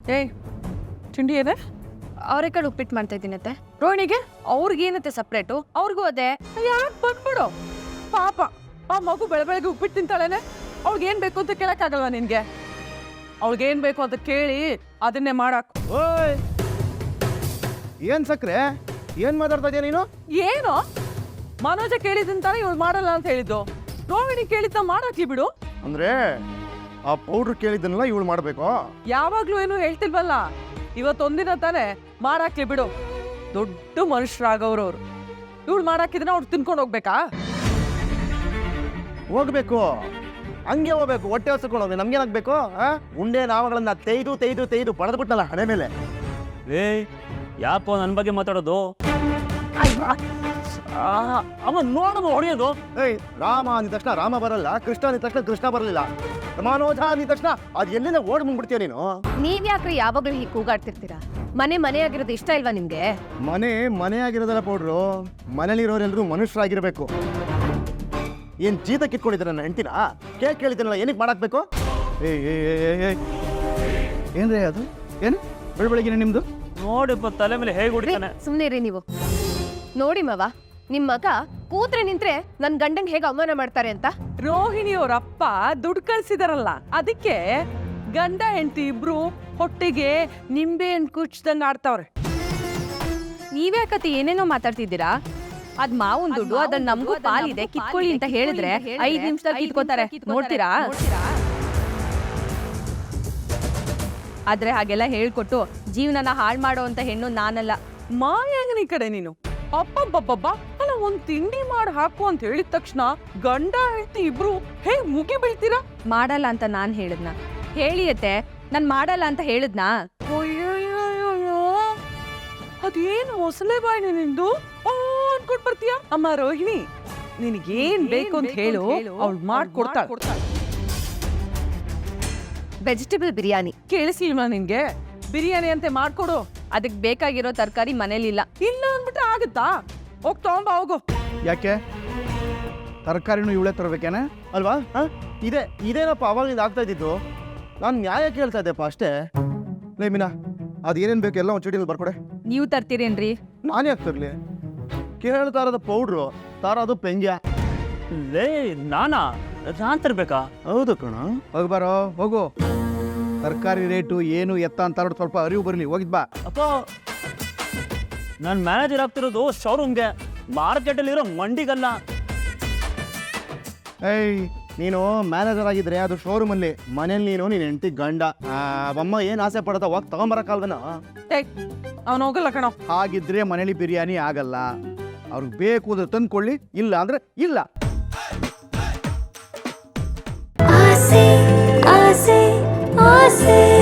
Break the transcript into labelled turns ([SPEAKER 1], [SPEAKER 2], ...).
[SPEAKER 1] ಏಯ್ ತಿಂಡಿ ಏನೇ?
[SPEAKER 2] ಅವರೆಕಾಳು ಉಪ್ಪಿಟ್ಟು ಮಾಡ್ತಾ ಇದ್ದೀನತ್ತೆ.
[SPEAKER 1] ರೋಹಿಣಿಗೆ
[SPEAKER 2] ಅವ್ರಿಗೇನತ್ತೆ ಸಪ್ರೇಟು, ಅವ್ರಿಗೂ ಅದೇ.
[SPEAKER 1] ಯಾಕೆ ಬಂದ್ಬಿಡು ಪಾಪ. ಆ ಮಗು ಬೆಳಗ್ಗೆ ಉಪ್ಪಿಟ್ಟು ತಿಂತಾಳೇನೆ. ಅವ್ಳಿಗೇನು ಬೇಕು ಅಂತ ಕೇಳಕ್ಕಾಗಲ್ವಾ ನಿನಗೆ? ಅವ್ಳಿಗೇನು ಬೇಕು ಅಂತ ಕೇಳಿ ಅದನ್ನೇ ಮಾಡಾಕು.
[SPEAKER 3] ಓಯ್ ಏನು ಸಕ್ರೆ, ಏನು ಮಾತಾಡ್ತಾ ಇದೆಯಾ ನೀನು?
[SPEAKER 1] ಏನು ಮನೋಜ ಕೇಳಿದಂತಾನೆ ಇವಳು ಮಾಡಲ್ಲ ಅಂತ ಹೇಳಿದ್ದು. ರೋಹಿಣಿ ಕೇಳಿದ್ದ ಮಾಡಾಕ್ಲಿ ಬಿಡು.
[SPEAKER 3] ಅಂದರೆ ಆ ಪೌಡ್ರ್ ಕೇಳಿದ್ದನ್ನೆಲ್ಲ ಇವಳು ಮಾಡಬೇಕು.
[SPEAKER 1] ಯಾವಾಗ್ಲೂ ಏನು ಹೇಳ್ತಿಲ್ವಲ್ಲ, ಇವತ್ತೊಂದಿನ ತಾನೆ ಮಾಡಾಕ್ಲಿ ಬಿಡು. ದೊಡ್ಡ ಮನುಷ್ಯರಾಗವ್ರು ಅವ್ರು. ಇವಳು ಮಾಡಾಕಿದ್ರೆ ಅವ್ರು ತಿನ್ಕೊಂಡು ಹೋಗ್ಬೇಕಾ?
[SPEAKER 3] ಹೋಗ್ಬೇಕು, ಹಂಗೆ ಹೋಗ್ಬೇಕು. ಹೊಟ್ಟೆ ಹೊಸ್ಕೊಂಡು ಹೋಗಿ ನಮ್ಗೇನಾಗಬೇಕು? ಉಂಡೆ ನಾವುಗಳನ್ನ ತೆಯ್ದು ಪಡೆದ್ಬಿಟ್ನಲ್ಲ ಹಣೆ ಮೇಲೆ.
[SPEAKER 4] ಏಯ್ ಯಾಕೋ ನನ್ನ ಬಗ್ಗೆ ಮಾತಾಡೋದು? ಅವ ನೋಡೋದು ಹೊಡೆಯೋದು.
[SPEAKER 3] ಏಯ್, ರಾಮ ಅಂದ ತಕ್ಷಣ ರಾಮ ಬರಲ್ಲ, ಕೃಷ್ಣ ಅಂದ ತಕ್ಷಣ ಕೃಷ್ಣ ಬರಲಿಲ್ಲ, ಮನೋಜ ಅಂದ ತಕ್ಷಣ ಅದು ಎಲ್ಲಿಂದ ಓಡ್ ಬಂದ್ಬಿಡ್ತೀಯ ನೀನು?
[SPEAKER 2] ನೀವ್ಯಾಕ್ರಿ ಯಾವಾಗ್ಲೂ ಹೀಗೆ ಕೂಗಾಡ್ತಿರ್ತೀರಾ? ಮನೆಯಾಗಿರೋದು ಇಷ್ಟ ಇಲ್ವಾ ನಿಮ್ಗೆ?
[SPEAKER 3] ಮನೆ ಆಗಿರೋದಲ್ಲ ಪೌಡ್ರು, ಮನೇಲಿರೋರೆಲ್ಲರೂ ಮನುಷ್ಯರಾಗಿರ್ಬೇಕು. ಏನ್ ಜೀತ ಕಿತ್ಕೊಂಡಿದ್ದೀರ ನನ್ನ ಹೆಂಡ್ತಿನ? ಕೇಕ್ ಕೇಳಿದ್ದೀನಲ್ಲ, ಏನಕ್ಕೆ ಮಾಡಾಕ್ಬೇಕು? ಏನ್ರಿ ಅದು? ಏನು ಬೆಳಬೆಳಗಿನ ನಿಮ್ದು?
[SPEAKER 4] ನೋಡಿಪ್ಪ ತಲೆ ಮೇಲೆ ಹೇಗೆ ಹೊಡಿತಾನೆ.
[SPEAKER 2] ಸುಮ್ನೆ ರೀ ನೀವು. ನೋಡಿ ಮವ, ನಿಮ್ ಮಗ ಕೂತ್ರೆ ನಿಂತ್ರೆ ನನ್ ಗಂಡಂಗ್ ಹೇಗೆ ಅವಮಾನ ಮಾಡ್ತಾರೆ ಅಂತ.
[SPEAKER 1] ರೋಹಿಣಿ ಅವ್ರ ಅಪ್ಪ ದುಡ್ಡು ಕಳ್ಸಿದಾರಲ್ಲ, ಅದಕ್ಕೆ ಗಂಡ ಹೆಂಡತಿ ಇಬ್ರು ಹೊಟ್ಟೆಗೆ ನಿಂಬೆ ಹಣ್ಣು ಕುಚ್ದಂಗ ಆಡ್ತಾವ್ರೆ.
[SPEAKER 2] ನೀವ್ಯಾಕತಿ ಏನೇನೋ ಮಾತಾಡ್ತಿದ್ದೀರಾ? ಅದ್ ಮಾವನ್ ದುಡ್ಡು, ಅದನ್ನ ನಮಗೂ ಪಾಲಿದೆ, ಕಿತ್ಕೊಳ್ಳಿ ಅಂತ ಹೇಳಿದ್ರೆ 5 ನಿಮಿಷದಲ್ಲಿ ಕಿತ್ಕೋತಾರೆ. ನೋಡ್ತೀರಾ? ಆದ್ರೆ ಹಾಗೆಲ್ಲ ಹೇಳ್ಕೊಟ್ಟು ಜೀವನನ ಹಾಳು ಮಾಡೋ ಅಂತ ಹೆಣ್ಣು ನಾನಲ್ಲ.
[SPEAKER 1] ಮಾಯಾಂಗನಿ ಕಡೆ ನೀನು. ಅಪ್ಪಬ್ಬಬ್ಬಬ್ಬ, ಅಲ್ಲ ಒಂದ್ ತಿಂಡಿ ಮಾಡಿ ಹಾಕು ಅಂತ ಹೇಳಿದ ತಕ್ಷಣ ಗಂಡ ಹೆಂಡತಿ ಇಬ್ರು ಹೇಗ್ ಮುಗಿ ಬೀಳ್ತೀರಾ?
[SPEAKER 2] ಮಾಡಲ್ಲ ಅಂತ ನಾನ್ ಹೇಳಿದ್ನ? ಹೇಳಿಯತ್ತೆ, ನಾನ್ ಮಾಡಲ್ಲ ಅಂತ ಹೇಳಿದ್ನಾ?
[SPEAKER 1] ಅದೇನು ಮೊಸಳೆ ಬಾಯಿನ ನಿಂದು ಅನ್ಕೊಂಡ್ ಬರ್ತೀಯ? ಅಮ್ಮ ರೋಹಿಣಿ, ನಿನಗೇನ್ ಬೇಕು ಅಂತ ಹೇಳು, ಅವ್ಳು ಮಾಡ್ಕೊಡ್ತಾಳೆ.
[SPEAKER 2] ವೆಜಿಟೇಬಲ್ ಬಿರಿಯಾನಿ
[SPEAKER 1] ಕೇಳಿಸಿಲ್ವಾ ನಿನ್ಗೆ? ಬಿರಿಯಾನಿ ಅಂತೆ ಮಾಡ್ಕೊಡು.
[SPEAKER 2] ಅದಕ್ ಬೇಕಾಗಿರೋ ತರಕಾರಿ ಮನೇಲಿಲ್ಲ.
[SPEAKER 1] ಇಲ್ಲ ಅಂದ್ಬಿಟ್ರೆ ಆಗುತ್ತಾ? ಹೋಗ್ ತಗೊಂಬ ಹೋಗು.
[SPEAKER 3] ಯಾಕೆ ತರಕಾರಿನೂ ಇವಳೇ ತರಬೇಕೇನೆ ಅಲ್ವಾ? ಇದೇನಪ್ಪ ಅವಾಗಿಂದ ಆಗ್ತಾ ಇದ್ದಿದ್ದು. ನಾನು ನ್ಯಾಯ ಕೇಳ್ತಾ ಇದ್ದೆಪ್ಪ ಅಷ್ಟೇ. ಲೇ ಮೀನಾ, ಅದೇನೇನು ಬೇಕು ಎಲ್ಲ ಒಂದು ಚೀಟಿಯಲ್ಲಿ ಬರ್ಕೊಡೆ.
[SPEAKER 2] ನೀವು ತರ್ತೀರೇನ್ರಿ?
[SPEAKER 3] ನಾನು ಯಾಕೆ ತರಲಿ? ಕೇಳ್ತಾ ಇರೋದು ಪೌಡ್ರು, ತಾರೋದು ಪೆಂಗ್ಯ.
[SPEAKER 4] ಲೇ ನಾನಾ ನಾನ್ ತರ್ಬೇಕಾ?
[SPEAKER 3] ಹೌದು ಕಣ.
[SPEAKER 5] ಹೋಗ್ಬಾರೋ, ಹೋಗು. ತರಕಾರಿ ರೇಟು ಏನು ಎತ್ತ ಅಂತ ಸ್ವಲ್ಪ ಅರಿವು ಬರಲಿ. ಹೋಗಿದ್ ಬಾ.
[SPEAKER 4] ಅಪ್ಪ, ನಾನು ಮ್ಯಾನೇಜರ್ ಆಗ್ತಿರೋದು ಶೋರೂಮ್ಗೆ, ಮಾರ್ಕೆಟಲ್ಲಿ ಇರೋ ಮಂಡಿಗಲ್ಲ.
[SPEAKER 3] ಏಯ್, ನೀನು ಮ್ಯಾನೇಜರ್ ಆಗಿದ್ರೆ ಅದು ಶೋರೂಮಲ್ಲಿ, ಮನೇಲಿ ನೀನು ನೀನು ಹೆಂಡತಿ ಗಂಡ. ಅಮ್ಮ ಏನು ಆಸೆ ಪಡ್ತಾ ಹೋಗಿ ತಗೊಂಬರಕ್ಕಲ್ವನ?
[SPEAKER 1] ಅವನು ಹೋಗಲ್ಲ ಕಣೋ.
[SPEAKER 5] ಹಾಗಿದ್ರೆ ಮನೇಲಿ ಬಿರಿಯಾನಿ ಆಗಲ್ಲ. ಅವ್ರಿಗೆ ಬೇಕು ಅಂದ್ರೆ ತಂದ್ಕೊಳ್ಳಿ, ಇಲ್ಲ ಅಂದ್ರೆ ಇಲ್ಲ.
[SPEAKER 6] ಆಸೆ ಆಸೆ ಆಸೆ